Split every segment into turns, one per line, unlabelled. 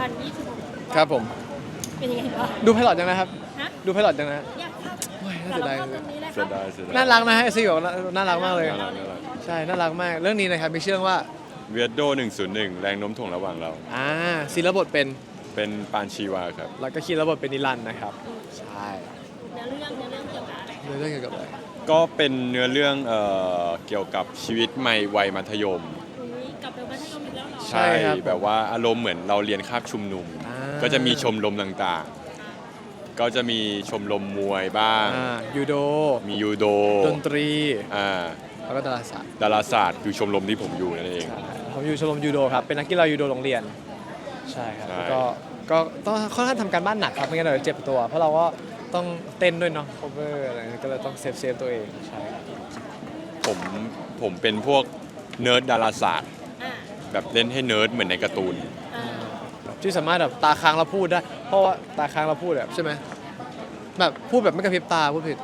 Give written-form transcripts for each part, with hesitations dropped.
วัน26
ครับผม
เป็นยังไงบ้าง
ดูไพลอตยังนะครับ
ฮะ
ดูไพลอตยังนะ
อยากทราบ
โอ้ยน่า
แต่
เสีย
เรา
ดาย
เข้าตรงนี้เลยค
เสี
รั
ย
บ
ดายเสียดาย
น่ารักนะฮะไอซีบอกน่ารักมากเลย
น่ารักน่ารัก
ใช่น่ารักมากเรื่องนี้นะครับมีชื่อว่า
เวียดโด101 แรงโน้มถ่วงระหว่างเรา
ศิลบทเป็น
เป็นปานชีวาครับ
แล้วก็คีย์ระบทเป็นนิรันดร์นะครับใช่
เนื้อเรื่องเกี่ยวกับอะไร
เรื่องเกี่ยวกับอะไร
ก็เป็นเนื้อเรื่องเกี่ยวกับชีวิตใหม่วัยมัธยม
อุ้ยกลับไปมัธยมอีกแล้วเหรอ
ใช่ครับ
แบบว่าอารมณ์เหมือนเราเรียนคาบชุมนุม ก็จะมีชมรมต่างๆ ก็จะมีชมรมมวยบ้าง
ยูโด
มียูโด
ดนตรี
อ่า
แล้วก็ดาราศาสตร์
ดาราศาสตร์คือชมรมที่ผมอยู่นั่นเอง
ใช่ผมอยู่ชมรมยูโดครับเป็นนักกีฬายูโดโรงเรียนใช่ครับ
ใช่
แล้วก็ต้องค่อนข้างทำการบ้านหนักครับไม่งั้นเดี๋ยวเจ็บตัว เพราะเราก็ต้องเต้นด้วยเนาะ cover อะไรก็เลยต้องเซฟตัวเองใช่ครับ
ผมเป็นพวกเนิร์ดดาราศาสตร์
อ่า
แบบเล่นให้เนิร์ดเหมือนในการ์ตูน
อ่า
ที่สามารถแบบตาค้างเราพูดได้ เพราะว่าตาค้างเราพูดแบบใช่ไหมแบบพูดแบบไม่กระพริบตาพูดผิด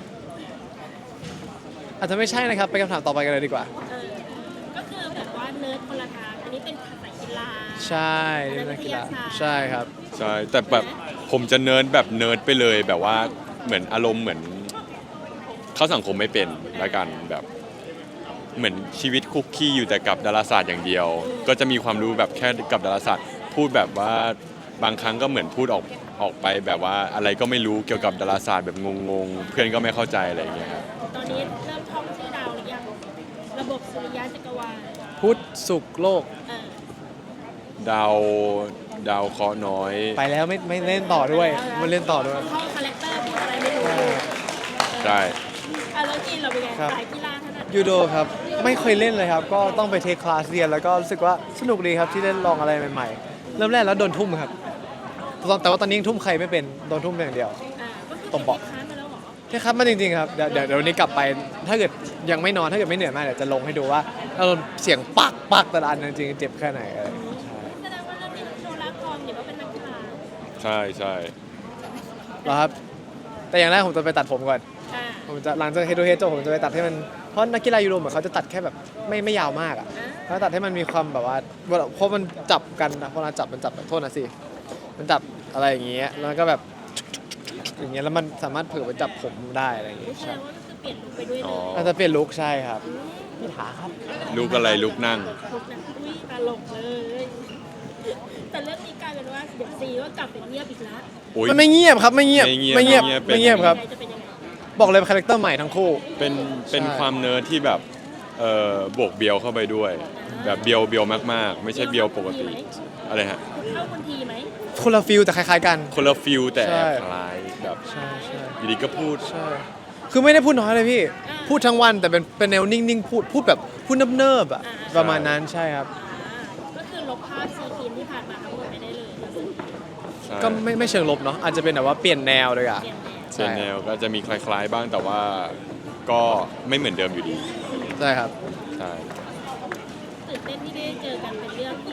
อาจจะไม่ใช่นะครับไปคำถามต่อไปกันเลยดีกว่า
ก็คือแบบว่าเนิร์ดคนละทางอันนี้เป็นสายกีฬา
ใช่เล่นนักกีฬาใช่ครับ
ใช่ แต่แบบผมจะเนิร์ดแบบเนิร์ดไปเลยแบบว่าเหมือนอารมณ์เหมือนเข้าสังคมไม่เป็นละกันแบบเหมือนชีวิตคุกกี้อยู่แต่กับดาราศาสตร์อย่างเดียว ก็จะมีความรู้แบบแค่กับดาราศาสตร์พูดแบบว่าบางครั้งก็เหมือนพูดออกไปแบบว่าอะไรก็ไม่รู้เกี่ยวกับดาราศาสตร์แบบงงๆเพื่อนก็ไม่เข้าใจอะไรอย่างเงี้ยครับ
ตอนนี้เริ่มท่องชื่อดาวหรือยังระบบสุริยะจักรวาล
พุธศุกร์โลก
เออ
ดาวเคราะห์น้อย
ไปแล้วไม่เล่นต่อด้วยไม่เล่นต่อด้วย
ท่องคาแรคเตอร์พูดอะไรไม่รู้
ใช่
แล้วกินเราเป็นไง
ครับ
สายกีฬาถนัด
ยูโดครับไม่เคยเล่นเลยครับ ก็ต้องไปเทคคลาสเรียนแล้วก็รู้สึกว่าสนุกดีครับที่ได้ลองอะไรใหม่ๆ เริ่มแรกแล้วโดนทุ่มครับแต่ว่าตอนนี้ยังทุ่มใครไม่เป็นโดนทุ่มอย่างเดียว
ก็คือ
ตบเบาะ
ค้านมาแล้วเหรอ
เทคครับมาจริงๆครับเดี๋ยววันนี้กลับไปถ้าเกิดยังไม่นอนถ้าเกิดไม่เหนื่อยมากเดี๋ยวจะลงให้ดูว่าอารมณ์เสียงปักแต่ละอันจริงๆเจ็บแค่ไหนอะไรอย่างเงี้ยใช่
แสดงว่าเรื่องนี้โชว์รักทองเดี๋ยวก็เป็นนักกีฬา
ใช่ใช่
แล้วครับแต่อย่างแรกผมจะไปตัดผมก่อน
อ่า
ผมจะหลังจากเฮดโดเฮดจบผมจะไปตัดให้มันเพราะนักกีฬายูโรเหมือนเขาจะตัดแค่แบบไม่ยาวมากอ่ะเขาตัดให้มันมีความแบบว่าเพราะมันจับกันนะเพราะมันจับแบบโทษนะสิมันจับอะไรอย่างเงี้ยแล้วก็แบบอย่างเงี้ยแล้วมันสามารถเผื่อไปจับผมได้อะไรอย่างเงี้ย
แสด
ใช่
งว่าก็คือเปลี่ยนลุคไปด้วยเล
อ๋อย
อาจจะเปลี่ยนลุคใช่ครับมีถาครับ
ลูกอะไรลูกนั่ง
ลุคนะอุ้ยตลกเลย แต่เรื่องนี้กลายเป็นว่าเดี๋ยวซีก็กลับไปเงียบอีกแล้ว
อุ๊ย
มันไม่เงียบครับไม่เงียบ
ไม่เงียบ
ไม่เงียบครับ
จะเป็นยังไง
บอกเลยคาแรคเตอร์ใหม่ทั้งคู่
เป็น
ใช่
ความเนิร์ดที่แบบบวกเบียวเข้าไปด้วย แบบเบียวมากๆ ไม่ใช่เบียวปกติอะไรฮะ
เข้าคนทีไหม
คนละฟิลแต่คล้ายๆกัน
คนละฟิลแต่
ใช่
คล้ายแบบ
ใช่ใช่
อยู่ดีก็พูด
ใช่คือไม่ได้พูดน้อยเลยพี่ พูดทั้งวันแต่เป็นแนวนิ่งๆพูดแบบพูดเนิบๆอ่ะประมาณนั้นใช่ครับ
ก็คือลบภาพซีคีนที่ผ่านมาทั้งหมดไปได้เลย
ใช่
ก็ไม่เชิงลบเนาะอาจจะเป็นแบบว่าเปลี่ยนแนวเลยอ่ะ
เปลี่ยนแนว
เป็นแนวก็จะมีคล้ายๆบ้างแต่ว่าก็ไม่เหมือนเดิมอยู่ดี
ใช่ครับ
ใช่
ตื่นเต้นที่ได้เจอกันเป็นเรื่องที่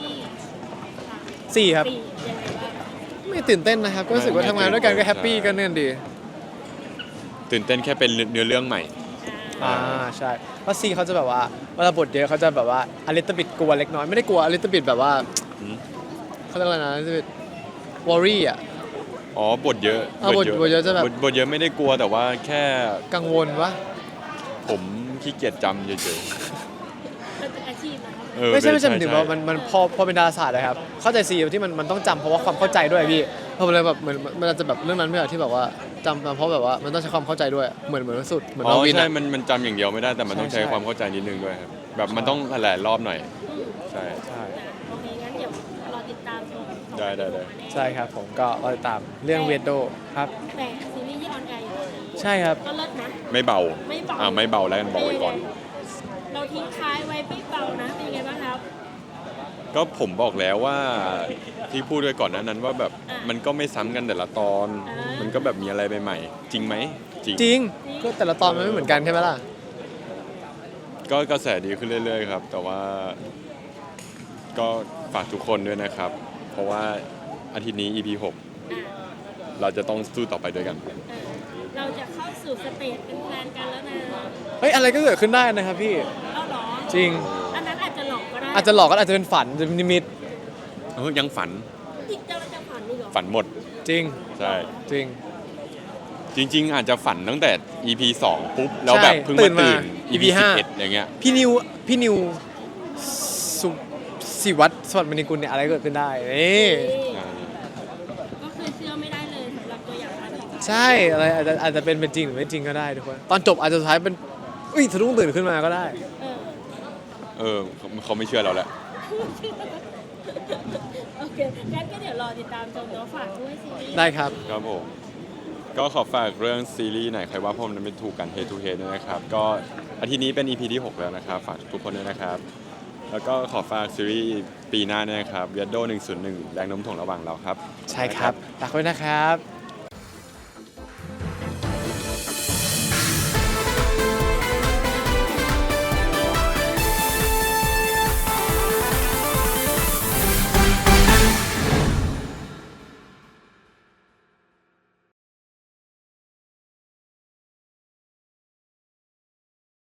4 ครับ
ปียังไงบ้าง
ไม่ตื่นเต้นนะครับ ก็รู้สึกว่าทำงานด้วยกันก็แฮปปี้กันเนื่อนดี
ตื่นเต้นแค่เป็นเนื้อเรื่องใหม่
ใช่เพราะซีเขาจะแบบว่าเวลาบทเยอะเขาจะแบบว่าอลิตบิดกลัวเล็กน้อยไม่ได้กลัวอลิตบิดแบบว่า
อืม
เขาเรียกอะไรนะอลิตบิดวอรี่อ่ะ
อ๋อบทเยอะ
บทเยอะจะแบบ
บทเยอะไม่ได้กลัวแต่ว่าแค่
กังวลวะ
ผมขี้เกียจจำเฉย
มันเป็นอาชีพนะครับ
ๆเออ
ไม่ใช่หมายถึงว่า
ใช่
มันพอเป็นดาราศาสตร์เลยครับเข้าใจซีที่มันต้องจำเพราะว่าความเข้าใจด้วยพี่เพราะมันเลยแบบเหมือนมันอาจจะแบบเรื่องนั้นไม่ใช่ที่แบบว่าจำมาเพราะแบบว่ามันต้องใช้ความเข้าใจด้วยเหมือนสุดเหมือน
อ๋
มา
อ
วิน
ใช่
อะ
มันจำอย่างเดียวไม่ได้แต่มันต้อง
ใช่
ใช้
ใช่
ความเข้าใจนิดนึงด้วยครับแบบมันต้องหลายๆรอบหน่อยใช่
ใช่
โอเคงั้นเดี๋ยวรอติดตามชม
ได้
ใช่ครับผมก็รอติดตามเรื่องเวดโดครับ
แต่ซีรีส์ที่ออนแอร์อยู่
ใช่ครับ
ก็เลิศนะ
ไม่เบา
ไม่เบา
ไม่เบาแล้วกันบอกไว้ก่อน
เราทิ้งท้ายไว้ไม่เบานะเป็นยังไงบ้างครับ
ก็ผมบอกแล้วว่าที่พูดไว้ก่อนหนั้นว่าแบบ
อ่ะ
มันก็ไม่ซ้ำกันแต่ละตอน
อ่ามั
มันก็แบบมีอะไรใหม่ๆจริงไหมจริง
จริงก็แต่ละตอนมันไม่เหมือนกันใช่ไหมล่ะ
ก็กระแสดีขึ้นเรื่อยๆครับ แต่ว่าก็ฝากทุกคนด้วยนะครับ เพราะว่าอาทิตย์นี้ EP 6 เราจะต้องสู้ต่อไปด้วยกัน
เราจะเข้าสู่สเตจเป็นแฟนกันแล้วนะ
เฮ้ยอะไรก็เกิดขึ้นได้นะครับพี่
เอาเหรอ
จริง
อันนั้นอาจจะหลอกก็ได้
อาจจะหลอกก็อาจจะเป็นฝันจะเป็นนิมิต
ยังฝัน
จริงจังจะฝันนี่เหรอ
ฝันหมด
จริง
ใช่
จริง
จริง ๆ อาจจะฝันตั้งแต่ EP 2 ปุ๊บ แล้วแบบเพิ่ง
ตื่
มาน
มา
ตื่น
EP
EP 11อย่างเงี้ย
พี่นิวสุศิวัตรสวัสดิ์มณีกุลเนี่ยอะไรก็เกิดขึ้นได้นี่
ก็คือเชื่อไม่ได้เลยสำหรับตัวอย่างอันนี้
ใช่อะไรอาจจะเป็นจริงหรือไม่จริงก็ได้ทุกคนตอนจบอาจจะสุดท้ายเป็นอุ้ยสะดุ้งตื่นขึ้นมาก็ได้
เออ
เขาไม่เชื่อเราแล้ว
โอเคงั้นก็เดี๋ยวรอติดตามชมเนาะฝากด้วยซีรีส์
ได้ครับ
ครับผม ก็ขอฝากเรื่องซีรีส์ไหนใครว่าผมนั้นไม่ถูกกัน Head to Head ด้วยนะครับ ก็อาทิตย์นี้เป็น EP ที่ 6 แล้วนะครับ ฝากทุกคนด้วยนะครับ แล้วก็ขอฝากซีรีส์ปีหน้าด้วยนะครับ Weirdo 101 แรงโน้มถ่วงระหว่างเราครับ
ใช่ครับฝากไว้นะครับ